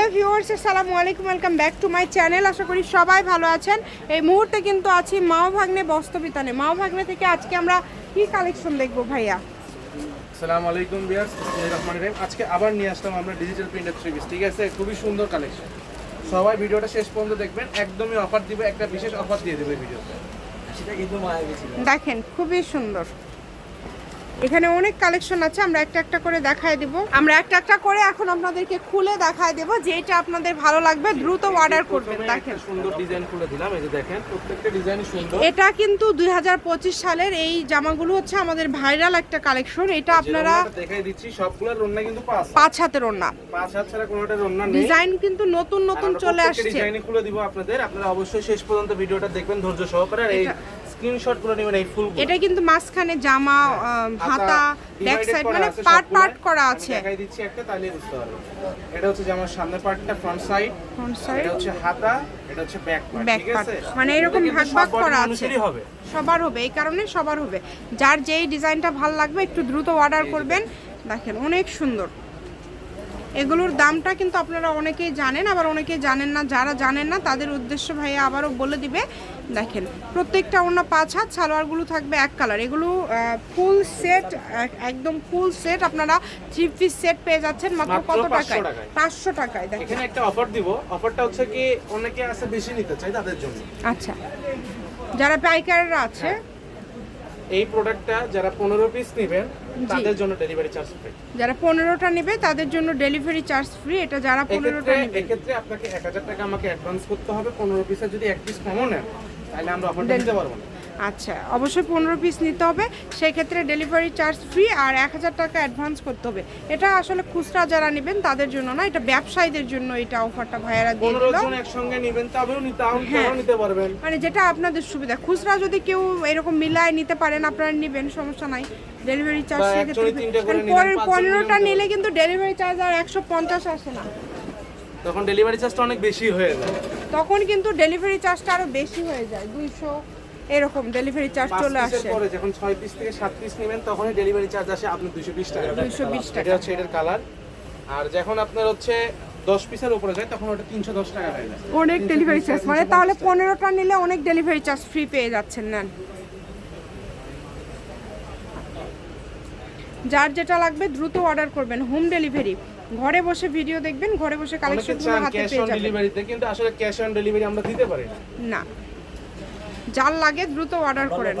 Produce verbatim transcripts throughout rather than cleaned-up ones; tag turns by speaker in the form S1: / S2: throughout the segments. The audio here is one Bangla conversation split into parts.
S1: হ্যালো ভিউয়ার্স, আসসালামু আলাইকুম, welcome back to my channel. আশা করি সবাই ভালো আছেন। এই মুহূর্তে কিন্তু আছি মাও ভাগ্নে বস্ত্রবিতানে। মাও ভাগ্নে থেকে আজকে আমরা কি কালেকশন দেখবো ভাইয়া?
S2: আসসালামু আলাইকুম ভিউয়ার্স, বিসমিল্লাহির রহমানির রহিম। আজকে আবার নিয়ে আসলাম আমরা ডিজিটাল প্রিন্টেড থ্রি পিস, ঠিক আছে? খুবই সুন্দর কালেকশন। সবাই ভিডিওটা শেষ পর্যন্ত দেখবেন, একদমই অফার দিবে, একটা বিশেষ অফার দিয়ে দেবে ভিডিওতে। সেটা কিন্তু মায়া গেছিল।
S1: দেখেন খুবই সুন্দর, এখানে অনেক কালেকশন আছে, আমরা একটা একটা করে দেখায় দেব। আমরা একটা একটা করে এখন আপনাদেরকে খুলে দেখায় দেব, যেটা আপনাদের ভালো লাগবে দ্রুত অর্ডার করবেন। দেখেন
S2: সুন্দর ডিজাইন খুলে দিলাম, এই যে দেখেন প্রত্যেকটা ডিজাইনই সুন্দর।
S1: এটা কিন্তু দুই হাজার পঁচিশ সালের এই জামাগুলো হচ্ছে আমাদের ভাইরাল একটা কালেকশন। এটা আপনারা
S2: দেখাই দিচ্ছি, সবগুলোর ওন্না কিন্তু পাঁচ
S1: পাঁচ হাতের ওন্না,
S2: পাঁচ হাত ছাড়া কোনোটার ওন্না নেই।
S1: ডিজাইন কিন্তু নতুন নতুন চলে আসছে,
S2: ডিজাইনই খুলে দিব আপনাদের। আপনারা অবশ্যই শেষ পর্যন্ত ভিডিওটা দেখবেন ধৈর্য সহকারে। আর এই স্ক্রিনশট গুলো নেবেন, এই ফুল।
S1: এটা কিন্তু মাঝখানে জামা, হাতা, ব্যাক সাইড মানে পার্ট পার্ট করা আছে।
S2: দেখাই দিচ্ছি একটা, তাহলে বুঝতে পারবেন। এটা হচ্ছে জামার সামনের পার্টটা, ফ্রন্ট সাইড,
S1: ফ্রন্ট সাইড,
S2: এটা হচ্ছে হাতা, এটা হচ্ছে ব্যাক পার্ট, ঠিক আছে?
S1: মানে এরকম ভাগ ভাগ করা আছে,
S2: হবে
S1: সবার হবে, এই কারণে সবার হবে। যার যেই ডিজাইনটা ভালো লাগবে একটু দ্রুত অর্ডার করবেন। দেখেন অনেক সুন্দর। এগুলোর দামটা কিন্তু আপনারা অনেকেই জানেন, আবার অনেকেই জানেন না। যারা জানেন না তাদের উদ্দেশ্য ভাইয়া আবারও বলে দিবে। দেখেন প্রত্যেকটা অন্য পাঁচ হাত, সালোয়ারগুলো থাকবে এক কালার। এগুলো ফুল সেট, একদম ফুল সেট আপনারা থ্রি পিস সেট পেয়ে যাচ্ছেন মাত্র কত টাকায়? পাঁচশো টাকায়। দেখেন
S2: এখানে একটা অফার দিব। অফারটা হচ্ছে কি, অনেকে আছে বেশি নিতে চায় তাদের জন্য।
S1: আচ্ছা, যারা পাইকাররা আছে,
S2: এই প্রোডাক্টটা যারা পনেরো পিস নেবেন তাদের জন্য ডেলিভারি চার্জ ফ্রি।
S1: যারা পনেরোটা নেবে তাদের জন্য ডেলিভারি চার্জ ফ্রি। এটা যারা পনেরোটা নেবে,
S2: এক্ষেত্রে আপনাকে এক হাজার টাকা আমাকে অ্যাডভান্স করতে হবে। পনেরো পিসের যদি এক পিস কমও নেন তাহলে আমরা অফারটা দিতে পারবো না।
S1: আচ্ছা, অবশ্যই পনেরো পিস নিতে হবে, সেক্ষেত্রে ডেলিভারি চার্জ ফ্রি আর এক হাজার টাকা অ্যাডভান্স করতে হবে। এটা আসলে খুচরা যারা নেবেন তাদের জন্য না, এটা ব্যবসায়ীদের জন্য এটা অফারটা ভাইয়ারা দিয়ে দিল।
S2: পনেরো জন একসঙ্গে নেবেন তবেও নিতে পারবেন,
S1: মানে যেটা আপনাদের সুবিধা। খুচরা যদি কেউ এরকম মিলায় নিতে পারেন আপনারা নেবেন, সমস্যা নাই। ডেলিভারি চার্জ পনেরোটা নিলে কিন্তু ডেলিভারি চার্জ আর একশো পঞ্চাশ আসে না,
S2: তখন ডেলিভারি চার্জটা অনেক বেশি হয়ে যায়।
S1: তখন কিন্তু ডেলিভারি চার্জটা আরো বেশি হয়ে যায়, দুইশো এরকম ডেলিভারি চার্জ চলে আসে।
S2: পরে যখন ছয় পিস থেকে সাত পিস নেবেন তখনই ডেলিভারি চার্জ আসে আপনার দুইশো বিশ টাকা।
S1: দুইশো বিশ টাকা
S2: এটা হচ্ছে এটার কালার। আর যখন আপনার হচ্ছে দশ পিসের উপরে যায় তখন ওটা তিনশো দশ টাকা হয়ে যায়,
S1: অনেক ডেলিভারি চার্জ। মানে তাহলে পনেরোটা নিলে অনেক ডেলিভারি চার্জ ফ্রি পেয়ে যাচ্ছেন। নেন, যার যেটা লাগবে দ্রুত অর্ডার করবেন, হোম ডেলিভারি। ঘরে বসে ভিডিও দেখবেন, ঘরে বসে কালেকশনগুলো হাতে পেয়ে যাবেন।
S2: ডেলিভারিতে কিন্তু আসলে ক্যাশ অন ডেলিভারি আমরা দিতে পারি না।
S1: না, যার লাগে দ্রুত অর্ডার করেন।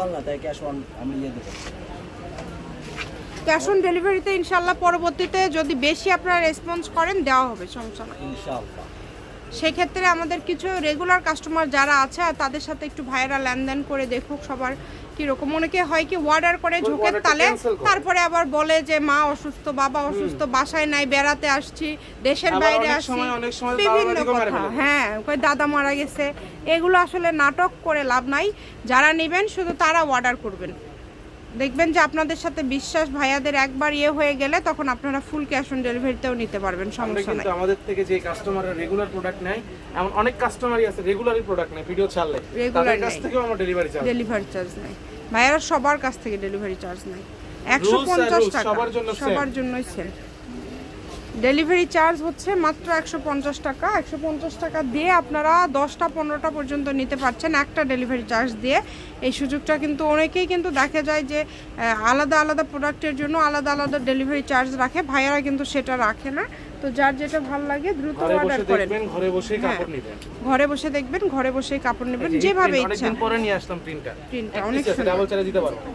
S1: ক্যাশ অন ডেলিভারিতে ইনশাআল্লাহ পরবর্তীতে যদি বেশি আপনারা রেসপন্স করেন দেওয়া হবে, সমস্যা না ইনশাআল্লাহ। সেক্ষেত্রে আমাদের কিছু রেগুলার কাস্টমার যারা আছে তাদের সাথে একটু ভাইরা লেনদেন করে দেখুক সবার কীরকম। অনেকে হয় কি অর্ডার করে ঝোঁকের তালে, তারপরে আবার বলে যে মা অসুস্থ, বাবা অসুস্থ, বাসায় নাই, বেড়াতে আসছি, দেশের বাইরে আসছি, বিভিন্ন কথা। হ্যাঁ, কই দাদা মারা গেছে। এগুলো আসলে নাটক করে লাভ নাই। যারা নেবেন শুধু তারা অর্ডার করবেন, দেখবেন যে আপনাদের সাথে বিশ্বাস ভাইয়াদের একবার ইয়ে হয়ে গেলে তখন আপনারা ফুল ক্যাশ অন ডেলিভারিতেও নিতে পারবেন, সমস্যা নাই।
S2: আমাদের থেকে যে কাস্টমাররা রেগুলার প্রোডাক্ট নেয়, এমন অনেক কাস্টমারই আছে রেগুলারই প্রোডাক্ট নেয়, ভিডিও ছাড়লে তাদের কাছ থেকেও আমরা ডেলিভারি চার্জ
S1: ডেলিভারি চার্জ নেই। ভাইয়ারা সবার কাছ থেকে ডেলিভারি চার্জ নেই, একশো পঞ্চাশ টাকা
S2: সবার জন্য,
S1: সবার জন্যই সেম। ডেলিভারি চার্জ হচ্ছে মাত্র একশো পঞ্চাশ টাকা। একশো পঞ্চাশ টাকা দিয়ে আপনারা দশটা পনেরোটা পর্যন্ত নিতে পারছেন একটা ডেলিভারি চার্জ দিয়ে। এই সুযোগটা কিন্তু অনেকেই কিন্তু দেখা যায় যে আলাদা আলাদা প্রোডাক্টের জন্য আলাদা আলাদা ডেলিভারি চার্জ রাখে, ভাইয়ারা কিন্তু সেটা রাখে না। তো যার যেটা ভালো লাগে দ্রুত অর্ডার করেন।
S2: ঘরে বসেই কাপড় নেবেন,
S1: ঘরে বসে দেখবেন, ঘরে বসেই কাপড় নেবেন, যেভাবে ইচ্ছা।
S2: অনেকদিন পরে নিয়ে আসলাম প্রিন্টটা,
S1: প্রিন্টটা অনেক সুন্দর,
S2: ডাবল চার্জ দিতে পারবো।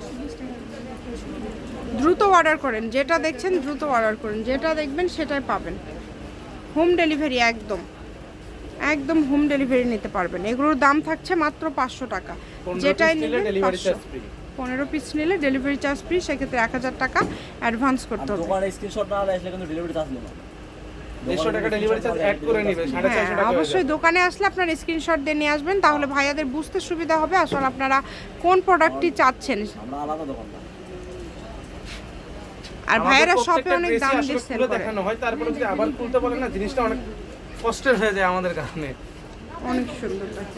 S1: দ্রুত অর্ডার করেন, যেটা দেখছেন দ্রুত অর্ডার করেন, যেটা দেখবেন সেটাই পাবেন। হোম ডেলিভারি, একদম একদম হোম ডেলিভারি নিতে পারবেন। এগুলোর দাম থাকছে মাত্র পাঁচশো টাকা, যেটাই নেবেন পাঁচশো। পনেরো পিস নিলে ডেলিভারি চার্জ ফ্রি, সেক্ষেত্রে এক হাজার টাকা অ্যাডভান্স করতে হবে। অবশ্যই দোকানে আসলে আপনার স্ক্রিনশট দিয়ে নিয়ে আসবেন, তাহলে ভাইয়াদের বুঝতে সুবিধা হবে আসলে আপনারা কোন প্রোডাক্টটি চাচ্ছেন। আর ভাইয়েরা শপে অনেক দাম দিয়ে সেল করে,
S2: দেখানো হয়, তারপরে যদি আবার খুলতে বলেন না, জিনিসটা অনেক কষ্টের হয়ে যায় আমাদের কারণে।
S1: অনেক সুন্দর লাগে।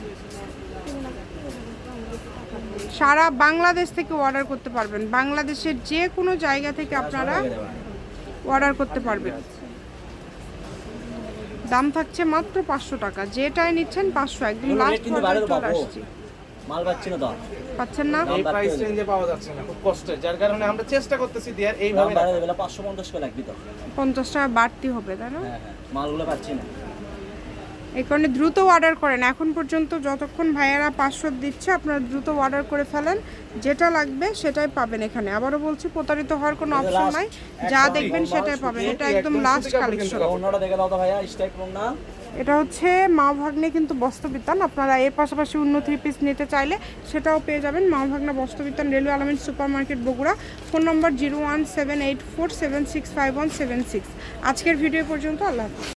S1: সারা বাংলাদেশ থেকে অর্ডার করতে পারবেন, বাংলাদেশের যে কোনো জায়গা থেকে আপনারা অর্ডার করতে পারবেন। দাম থাকছে মাত্র পাঁচশো টাকা, যেটাই নিচ্ছেন পাঁচশো, একদম
S3: এগুলো
S1: লাস্ট
S3: rate কিন্তু বাইরে
S1: পর্যন্ত চলে
S3: পাবো।
S1: আসছি।
S3: মাল পাচ্ছি না তো,
S1: পাচ্ছেন না?
S2: এই প্রাইস রেঞ্জে পাওয়া যাচ্ছে না, খুব কষ্টের, যার কারণে আমরা চেষ্টা করতেছি দেওয়ার
S3: দাম
S2: এইভাবে
S3: বাইরে
S2: রাখার।
S3: দেবে পাঁচশো পঞ্চাশ করে লাগবি তো।
S1: পঞ্চাশ টাকা বাড়তি হবে, তাই না?
S3: হ্যাঁ হ্যাঁ, মালগুলো পাচ্ছি না।
S1: এই কারণে দ্রুত অর্ডার করেন, এখন পর্যন্ত যতক্ষণ ভাইয়ারা পাঁচশো দিচ্ছে আপনারা দ্রুত অর্ডার করে ফেলেন, যেটা লাগবে সেটাই পাবেন এখানে। আবারও বলছি, প্রতারিত হওয়ার কোনো
S3: এটা
S1: অপশন
S3: last
S1: নাই, যা
S3: একদম
S1: দেখবেন
S3: normal
S1: সেটাই
S3: শুধু
S1: পাবেন। এটা
S2: একদম
S1: একদম
S2: সুতি
S1: লাস্ট
S2: কাপড়
S1: কালেকশন।
S2: কিন্তু।
S3: অন্যটা দেখে দাও তো ভাইয়া, স্টাইপ না।
S1: এটা হচ্ছে মা ভাগ্নে কিন্তু বস্ত্রবিতান, আপনারা এর পাশাপাশি অন্য থ্রি পিস নিতে চাইলে সেটাও পেয়ে যাবেন। Ma Bhagna Bastrabitan, railway Alamin super market, Bogura. Phone number zero one seven eight four seven six five one seven six. আজকের ভিডিও পর্যন্ত, আল্লাহ হাফেজ।